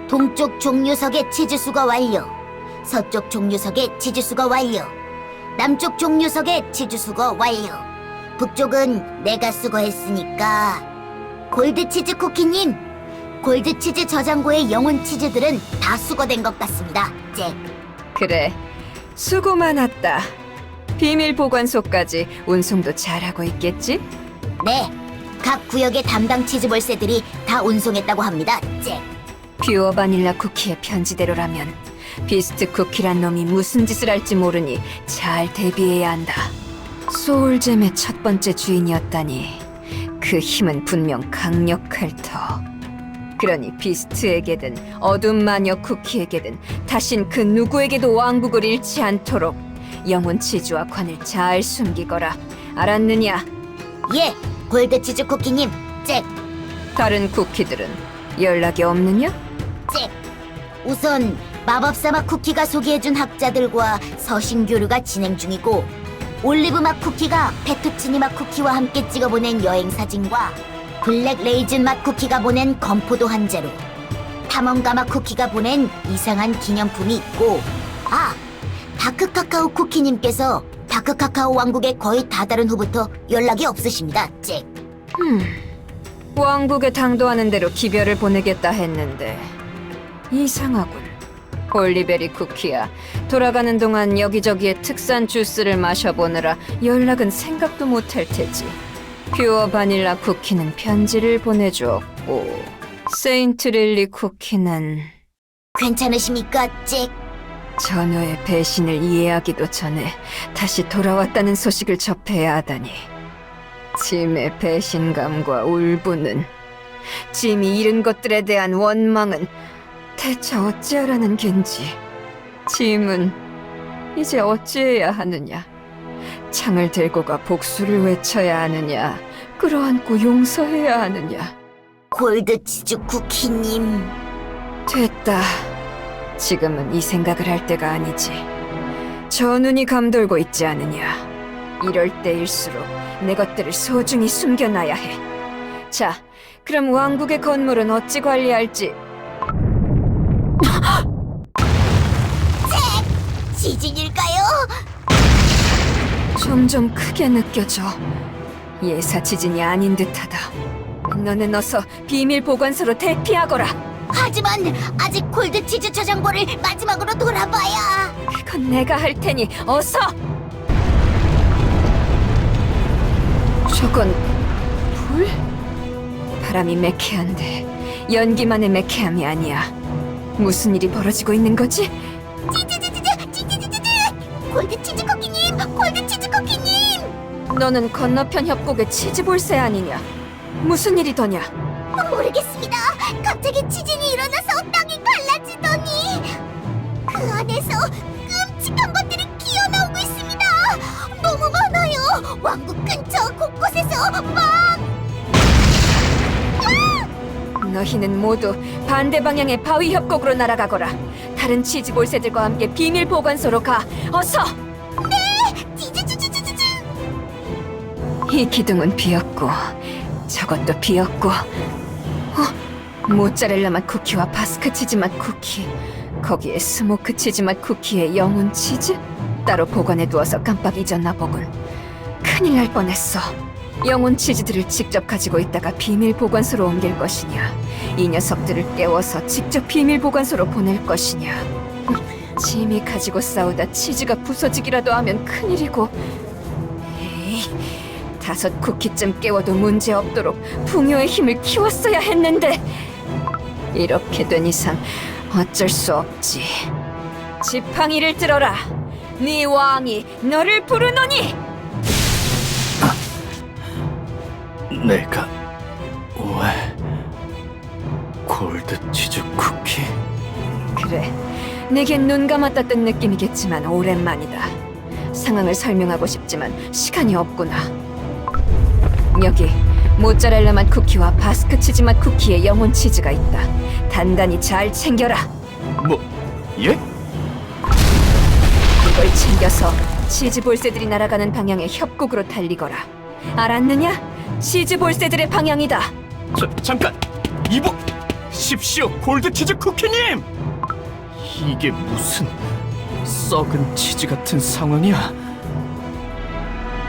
동쪽 종류석의 치즈 수거 완료. 서쪽 종류석의 치즈 수거 완료. 남쪽 종류석의 치즈 수거 완료. 북쪽은 내가 수거했으니까. 골드치즈 쿠키님, 골드치즈 저장고의 영혼 치즈들은 다 수거된 것 같습니다, 잭. 그래, 수고 많았다. 비밀 보관소까지 운송도 잘하고 있겠지? 네, 각 구역의 담당 치즈 볼세들이 다 운송했다고 합니다, 잭. 퓨어 바닐라 쿠키의 편지대로라면 비스트 쿠키란 놈이 무슨 짓을 할지 모르니 잘 대비해야 한다. 소울잼의 첫 번째 주인이었다니 그 힘은 분명 강력할 터. 그러니 비스트에게든 어둠 마녀 쿠키에게든 다신 그 누구에게도 왕국을 잃지 않도록 영혼 치즈와 관을 잘 숨기거라. 알았느냐? 예, 골드치즈 쿠키님, 잭. 다른 쿠키들은 연락이 없느냐? 잭. 우선 마법사막 쿠키가 소개해준 학자들과 서신 교류가 진행 중이고, 올리브맛 쿠키가 페투치니 맛 쿠키와 함께 찍어보낸 여행 사진과 블랙 레이즌 맛 쿠키가 보낸 건포도 한 자루, 탐험가 맛 쿠키가 보낸 이상한 기념품이 있고, 다크 카카오 쿠키님께서 다크 카카오 왕국에 거의 다다른 후부터 연락이 없으십니다, 잭. 왕국에 당도하는 대로 기별을 보내겠다 했는데 이상하군. 올리베리 쿠키야, 돌아가는 동안 여기저기에 특산 주스를 마셔보느라 연락은 생각도 못할 테지. 퓨어 바닐라 쿠키는 편지를 보내주었고 세인트 릴리 쿠키는 괜찮으십니까, 잭? 전우의 배신을 이해하기도 전에 다시 돌아왔다는 소식을 접해야 하다니. 짐의 배신감과 울분은, 짐이 잃은 것들에 대한 원망은 대체 어찌하라는 겐지. 짐은 이제 어찌해야 하느냐. 창을 들고 가 복수를 외쳐야 하느냐, 끌어안고 용서해야 하느냐. 골드치즈 쿠키님. 됐다. 지금은 이 생각을 할 때가 아니지. 저 눈이 감돌고 있지 않느냐. 이럴 때일수록 내 것들을 소중히 숨겨놔야 해. 자, 그럼 왕국의 건물은 어찌 관리할지. 지진일까요? 점점 크게 느껴져. 예사 지진이 아닌 듯하다. 너는 어서 비밀 보관소로 대피하거라. 하지만 아직 골드치즈 저장고를 마지막으로 돌아봐야. 그건 내가 할 테니 어서. 저건 불? 바람이 매캐한데 연기만의 매캐함이 아니야. 무슨 일이 벌어지고 있는 거지? 골드치즈 쿠키님! 골드치즈 쿠키님! 너는 건너편 협곡의 치즈볼세 아니냐? 무슨 일이더냐? 모르겠습니다. 갑자기 지진이 일어나서 땅이 갈라지더니 그 안에서 끔찍한 것들이 기어나오고 있습니다. 너무 많아요. 왕국 근처 곳곳에서 막... 너희는 모두 반대 방향의 바위 협곡으로 날아가거라. 다른 치즈볼세들과 함께 비밀 보관소로 가. 어서! 찌찌찌찌찌찌. 이 기둥은 비었고 저것도 비었고, 모짜렐라 맛 쿠키와 바스크 치즈 맛 쿠키, 거기에 스모크 치즈 맛 쿠키의 영혼 치즈? 따로 보관해두어서 깜빡 잊었나 보군. 큰일 날 뻔했어. 영혼 치즈들을 직접 가지고 있다가 비밀 보관소로 옮길 것이냐, 이 녀석들을 깨워서 직접 비밀 보관소로 보낼 것이냐. 짐이 가지고 싸우다 치즈가 부서지기라도 하면 큰일이고. 에이, 5 쿠키쯤 깨워도 문제없도록 풍요의 힘을 키웠어야 했는데, 이렇게 된 이상 어쩔 수 없지. 지팡이를 들어라. 네 왕이 너를 부르노니. 내가 왜 골드치즈 쿠키? 그래, 내겐 눈 감았다 뜬 느낌이겠지만 오랜만이다. 상황을 설명하고 싶지만 시간이 없구나. 여기 모짜렐라 맛 쿠키와 바스크 치즈 맛 쿠키의 영혼 치즈가 있다. 단단히 잘 챙겨라. 뭐? 예? 이걸 챙겨서 치즈 볼세들이 날아가는 방향의 협곡으로 달리거라. 알았느냐? 치즈 볼세들의 방향이다. 잠깐! 이보! 마십시오, 골드치즈 쿠키님! 이게 무슨 썩은 치즈 같은 상황이야?